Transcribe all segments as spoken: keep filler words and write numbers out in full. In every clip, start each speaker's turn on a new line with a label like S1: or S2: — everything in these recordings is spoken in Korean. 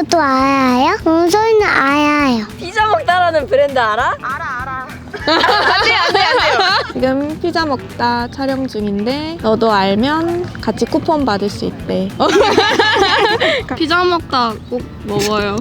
S1: 모두 알아요? 원소희는 알아요.
S2: 피자 먹다라는 브랜드 알아?
S1: 알아 알아.
S2: 안돼 안돼 안돼요.
S3: 지금 피자 먹다 촬영 중인데 너도 알면 같이 쿠폰 받을 수 있대.
S4: 피자 먹다 꼭 먹어요.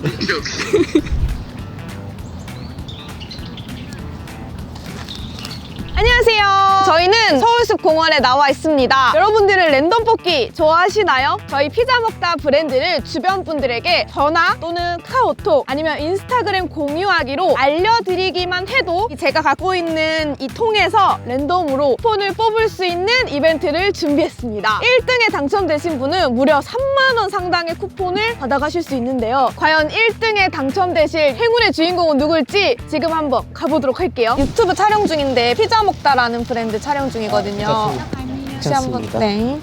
S3: 안녕하세요. 저희는 서울숲 공원에 나와 있습니다. 여러분들은 랜덤 뽑기 좋아하시나요? 저희 피자 먹다 브랜드를 주변 분들에게 전화 또는 카오톡 아니면 인스타그램 공유하기로 알려드리기만 해도 제가 갖고 있는 이 통에서 랜덤으로 쿠폰을 뽑을 수 있는 이벤트를 준비했습니다. 일 등에 당첨되신 분은 무려 삼만 원 상당의 쿠폰을 받아가실 수 있는데요. 과연 일 등에 당첨되실 행운의 주인공은 누굴지 지금 한번 가보도록 할게요. 유튜브 촬영 중인데 피자 먹다라는 브랜드 촬영 중이거든요. 혹시 한번 네.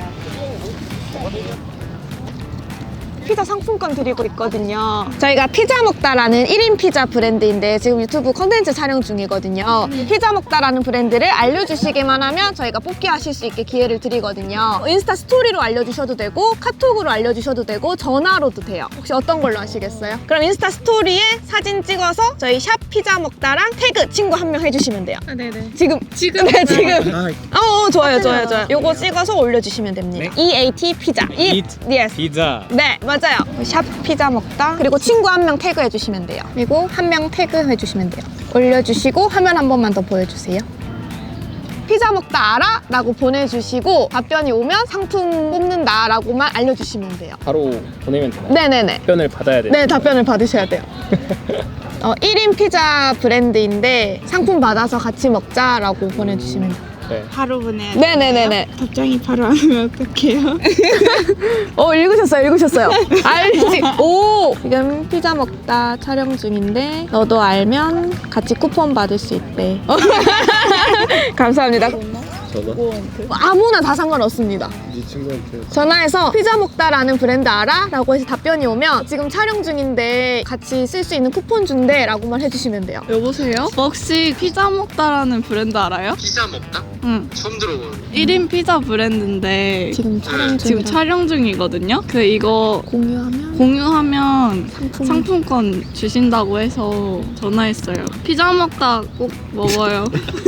S3: 피자 상품권 드리고 있거든요. 저희가 피자 먹다라는 일 인 피자 브랜드인데 지금 유튜브 컨텐츠 촬영 중이거든요. 피자 먹다라는 브랜드를 알려주시기만 하면 저희가 뽑기 하실 수 있게 기회를 드리거든요. 인스타 스토리로 알려주셔도 되고 카톡으로 알려주셔도 되고 전화로도 돼요. 혹시 어떤 걸로 하시겠어요? 그럼 인스타 스토리에 사진 찍어서 저희 샵 피자 먹다랑 태그 친구 한 명 해주시면 돼요.
S4: 아, 네네.
S3: 지금
S4: 지금?
S3: 네 지금
S5: 아,
S3: 어, 어 좋아요 좋아요 좋아요. 요거 찍어서 올려주시면 됩니다.
S5: 네.
S3: 이에이티 피자
S5: Eat
S3: yes.
S5: 피자.
S3: 네 맞아요. 샵 피자 먹다 그리고 친구 한 명 태그 해주시면 돼요. 그리고 한 명 태그 해주시면 돼요. 올려주시고 화면 한 번만 더 보여주세요. 피자 먹다 알아? 라고 보내주시고 답변이 오면 상품 뽑는다 라고만 알려주시면 돼요.
S5: 바로 보내면 되나요?
S3: 네네네.
S5: 답변을 받아야 돼요.
S3: 네 답변을 받으셔야 돼요. 어, 일 인 피자 브랜드인데 상품 받아서 같이 먹자라고 보내주시면 돼요.
S5: 네.
S4: 바로 보내야 돼.
S3: 네네네네.
S4: 답장이 바로 안 오면 어떡해요?
S3: 어 읽으셨어요 읽으셨어요. 알지. 오 지금 피자 먹다 촬영 중인데 너도 알면 같이 쿠폰 받을 수 있대. 감사합니다.
S5: 저도?
S3: 아무나 다 상관없습니다.
S5: 네 친구한테.
S3: 전화해서 피자 먹다라는 브랜드 알아? 라고 해서 답변이 오면 지금 촬영 중인데 같이 쓸 수 있는 쿠폰 준대 라고만 해주시면 돼요.
S4: 여보세요? 혹시 피자 먹다라는 브랜드 알아요?
S6: 피자 먹다?
S4: 응.
S6: 처음 들어보는.
S4: 일 인 피자 브랜드인데
S3: 지금 촬영
S4: 지금
S3: 중이라
S4: 촬영 중이거든요. 그 이거
S3: 공유하면
S4: 공유하면
S3: 상품
S4: 상품권 주신다고 해서 전화했어요. 피자 먹다 꼭 먹어요.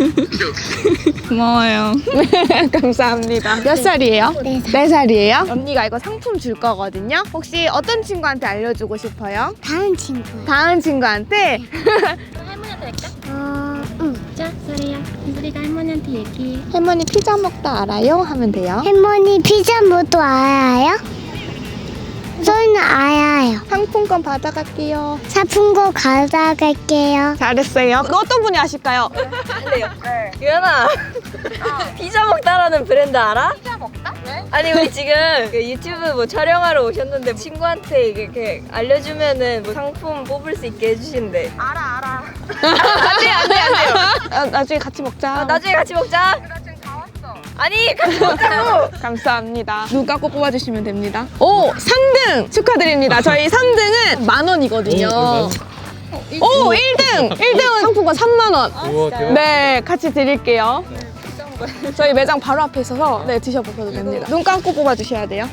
S4: 고마워요.
S3: 감사합니다. 몇 살이에요?
S1: 네 살.
S3: 네 살이에요? 언니가 이거 상품 줄 거거든요. 혹시 어떤 친구한테 알려주고 싶어요?
S1: 다음 친구.
S3: 다은 친구한테?
S1: 어, 응.
S7: 자, 소리야. 소리가 할머니한테 얘기해.
S3: 할머니 피자 먹다 알아요? 하면 돼요.
S1: 할머니 피자 모두 알아요? 원소희는 알아요.
S3: 상품권 받아갈게요.
S1: 사품고 가져갈게요.
S3: 잘했어요. 그 어떤 분이 아실까요?
S2: 유연아 피자 먹다라는 브랜드 알아? 피자 먹다? 네? 아니 우리 지금 그 유튜브 뭐 촬영하러 오셨는데 친구한테 이렇게 알려주면은 뭐 상품 뽑을 수 있게 해주신대.
S1: 알아 알아.
S2: 안돼 안돼 안돼요.
S3: 아, 나중에 같이 먹자.
S2: 아, 나중에 같이 먹자. 나 지금 다 왔어. 아니 같이 먹자고.
S3: 감사합니다. 눈 감고 뽑아주시면 됩니다. 오! 삼 등! 축하드립니다. 저희 삼 등은 만 원이거든요. 오! 일 등! 일 등은 상품권 삼만 원.
S5: 우와 대박.
S3: 네, 같이 드릴게요. 저희 매장 바로 앞에 있어서 네 드셔보셔도 됩니다. 눈 감고 뽑아주셔야 돼요.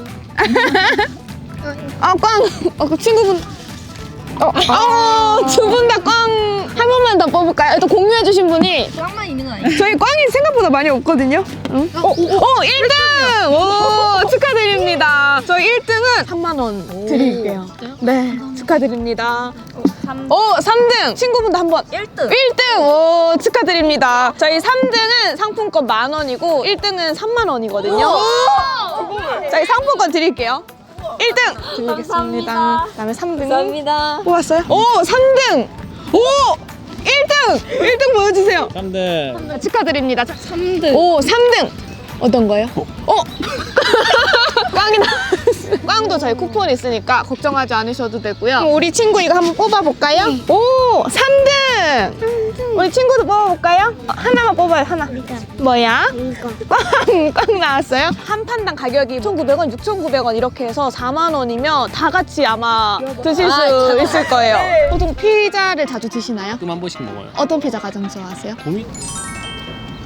S3: 아, 꽝! 어, 그 친구분. 어, 어, 두 분 다 꽝! 한 번만 더 뽑을까요? 또 공유해주신 분이.
S2: 꽝만 있는 거 아니야?
S3: 저희 꽝이 생각보다 많이 없거든요. 응? 어, 어, 일 등! 오, 축하드립니다. 저희 일 등은 삼만 원 드릴게요. 네, 축하드립니다. 오, 삼 등! 친구분도 한번.
S2: 일 등.
S3: 일 등! 오, 축하드립니다. 저희 삼 등은 상품권 만 원이고 일 등은 삼만 원이거든요. 저희 상품권 드릴게요. 일 등 드리겠습니다.
S2: 감사합니다.
S3: 그다음에 삼 등
S2: 감사합니다.
S3: 뽑았어요? 오, 삼 등! 오! 일 등! 일 등 보여주세요.
S5: 삼 등.
S3: 축하드립니다.
S4: 삼 등.
S3: 오, 삼 등! 어떤 거요? 어? 꽝이 나왔어요. 꽝도 저희 쿠폰 있으니까 걱정하지 않으셔도 되고요. 그럼 우리 친구 이거 한번 뽑아볼까요? 오! 삼 등! 우리 친구도 뽑아볼까요? 어, 하나만 뽑아요, 하나. 뭐야?
S1: 이거.
S3: 꽝! 꽝 나왔어요? 한 판당 가격이 오천구백 원, 육천구백 원 이렇게 해서 사만 원이면 다 같이 아마 드실 수 있을 거예요. 보통 피자를 자주 드시나요?
S5: 가끔 한 번씩 먹어요.
S3: 어떤 피자 가장 좋아하세요?
S5: 도미?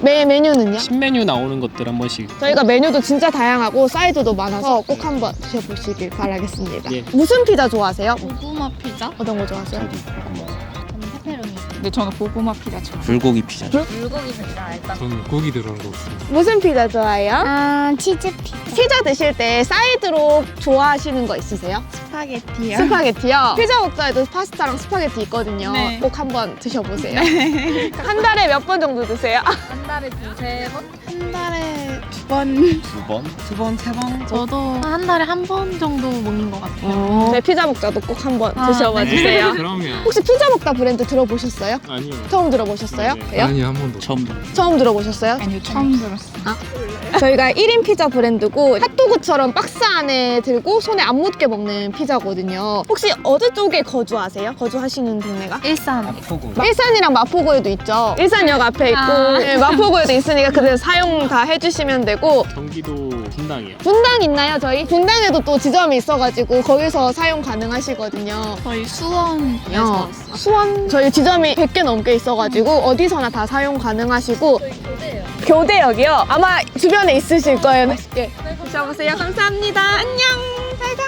S3: 메, 메뉴는요?
S5: 신메뉴 나오는 것들 한 번씩.
S3: 저희가 메뉴도 진짜 다양하고 사이즈도 많아서 꼭 한번 드셔보시길 바라겠습니다.
S5: 예.
S3: 무슨 피자 좋아하세요?
S4: 고구마 피자?
S3: 어떤 거 좋아하세요?
S5: 저도 고구마.
S7: 페페로니.
S4: 근데 저는 고구마 피자 좋아.
S5: 불고기 피자.
S2: 불고기 피자 일단.
S6: 저는 고기 들어간 거 없습니다.
S3: 무슨 피자 좋아해요?
S1: 아, 치즈 피자.
S3: 피자 드실 때 사이드로 좋아하시는 거 있으세요?
S4: 스파게티요.
S3: 스파게티요? 피자 먹자에도 파스타랑 스파게티 있거든요.
S4: 네.
S3: 꼭 한번 드셔보세요. 한 달에 몇 번 정도 드세요?
S2: 한 달에 두세 번?
S4: 한 달에 두 번.
S5: 두 번?
S4: 두 번, 세 번? 저도 한 달에 한 번 정도 먹는 것 같아요.
S3: 네, 피자 먹자도 꼭 한번
S4: 아,
S3: 드셔봐
S4: 네.
S3: 주세요.
S6: 그러면
S3: 혹시 피자 먹다 브랜드 들어보셨어요?
S5: 아니요.
S3: 처음 들어보셨어요?
S5: 네.
S3: 그래요?
S6: 아니 한 번도.
S5: 처음 들어.
S3: 처음 들어보셨어요?
S4: 아니요, 처음 들었어요.
S3: 저희가 일 인 피자 브랜드고 핫도그처럼 박스 안에 들고 손에 안 묻게 먹는 피자거든요. 혹시 어디 쪽에 거주하세요? 거주하시는 동네가?
S4: 일산.
S5: 아프고.
S3: 일산이랑 마포구에도 있죠. 일산역 앞에 있고
S4: 아.
S3: 네, 마포구에도 있으니까 그대로 사용 다 해주시면 되고
S5: 경기도 분당이요.
S3: 분당 있나요 저희? 분당에도 또 지점이 있어가지고 거기서 사용 가능하시거든요.
S4: 저희 수원에서 왔어요.
S3: 수원 저희 지점이 백 개 넘게 있어가지고 어디서나 다 사용 가능하시고
S2: 교대요.
S3: 교대역이요? 아마 주변에 있으실 거예요. 맛있게 드셔보세요. 감사합니다. 안녕. 잘가.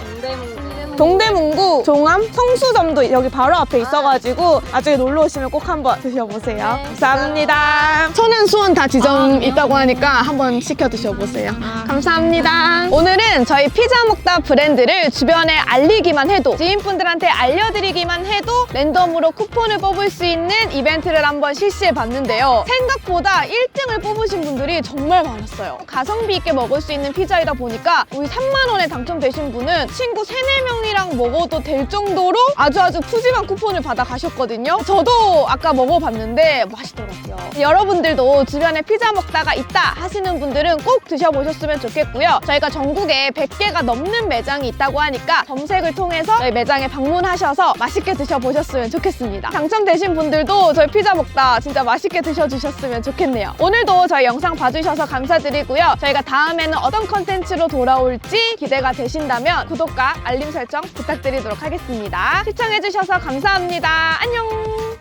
S2: 동대문.
S3: 동대문구 종암 성수점도 여기 바로 앞에 있어가지고 나중에 놀러 오시면 꼭 한번 드셔보세요. 감사합니다. 천안, 수원 다 지점 있다고 하니까 한번 시켜 드셔보세요. 감사합니다. 오늘은 저희 피자 먹다 브랜드를 주변에 알리기만 해도 지인분들한테 알려드리기만 해도 랜덤으로 쿠폰을 뽑을 수 있는 이벤트를 한번 실시해 봤는데요. 생각보다 일 등을 뽑으신 분들이 정말 많았어요. 가성비 있게 먹을 수 있는 피자이다 보니까 우리 삼만 원에 당첨되신 분은 친구 세네 명이랑 먹어도 될 정도로 아주 아주 푸짐한 쿠폰을 받아 가셨거든요. 저도 아까 먹어봤는데 맛있더라고요. 여러분들도 주변에 피자 먹다가 있다 하시는 분들은 꼭 드셔보셨으면 좋겠고요. 저희가 전국에 백 개가 넘는 매장이 있다고 하니까 검색을 통해서 저희 매장에 방문하셔서 맛있게 드셔보셨으면 좋겠습니다. 당첨되신 분들도 저희 피자 먹다 진짜 맛있게 드셔주셨으면 좋겠네요. 오늘도 저희 영상 봐주셔서 감사드리고요. 저희가 다음에는 어떤 컨텐츠로 돌아올지 기대가 되신다면 구독과 알림 설정 부탁드리도록 하겠습니다. 시청해주셔서 감사합니다. 안녕!